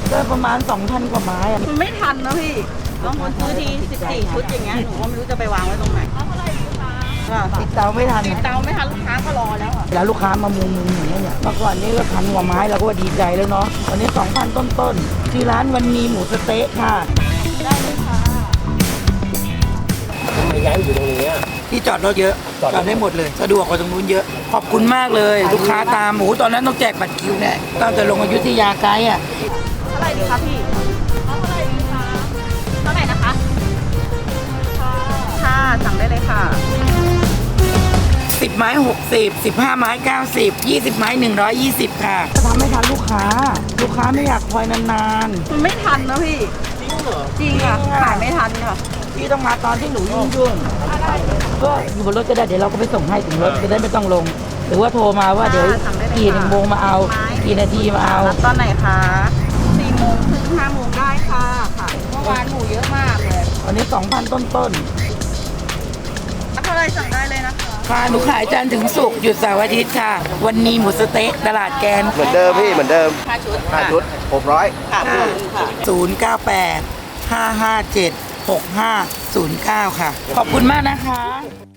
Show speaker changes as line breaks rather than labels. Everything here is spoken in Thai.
ก็ประมาณ 2,000 กว่าไม้อะ
มันไม่ทันนะพี่บางคนซื้อที14 ชุดอย่างเงี้ยหนูก็ไม่รู้จะไปวางไว้ตรงไหนก็
ติดเตาไม่ทัน
ติดเตาไม่ทันลูกค้าก็รอแล้วอ่ะ
แล้วลูกค้ามามุงอย่างเงี้ยเนี่ยเมื่อก่อนนี้ก็1,000 กว่าไม้เราก็ว่าดีใจแล้วเนาะวันนี้ 2,000 ต้นๆที่ร้านวันนี้หมูสะเต๊ะค่ะ
ได้เลยค่ะ
ทำไมย้ายมาอยู่ตรงนี้อะ
ที่จอดรถเยอะ
จอดได้
ได้หมดเลยสะดวกกว่าตรงนู้นเยอะขอบคุณมากเลย ลูกค้าตามหมูตอนนั้นต้องแจกบัตรคิวเนี่ยตั้งแต่ลงอยุธยาไกด์อ่ะ
เท่าไหร่ดีคะพี่เท่าไหร่ดีคะเท่าไหร่นะคะค่ะสั่งได้เลยค่ะ
10 ไม้ 60 15 ไม้ 90 20 ไม้ 120 ค่ะจะทำให้ทันลูกค้าไม่อยากคอยนาน
มันไม่ทันนะพี่
จริงเหรอ
จริงค่ะขายไม่ทันค่ะ
ๆพี่ต้องมาตอนที่หนูยุ่งๆก็อยู่บนรถก็ได้เดี๋ยวเราก็ไปส่งให้ถึงรถจะได้ไม่ต้องลง หรือว่าโทรมาว่าเดี๋ยว
สั่งได้เลย
กี่
ค่ะ
โมงมาเอา
ไม้
กี่นาทีมาเอา
รับตอนไหนคะ4 โมงถึง5 โมงได้ค่ะค่ะเมื่อวานหมูเยอะมากเลย
วันนี้ 2,000 ต้น
เท่าไหร่สั่งได้เลยนะคะ
ๆค่ะหนูขายจันทร์ถึงศุกร์หยุดเสาร์อาทิตย์ค่ะ วันนี้หมูสะเต๊ะตลาดแกน
เหมือนเดิมพี่เหมือนเดิม
5 ชุด
5 ชุด 600
ค่ะค่ะ
098 557 6509 ค่ะ ขอบคุณมากนะคะ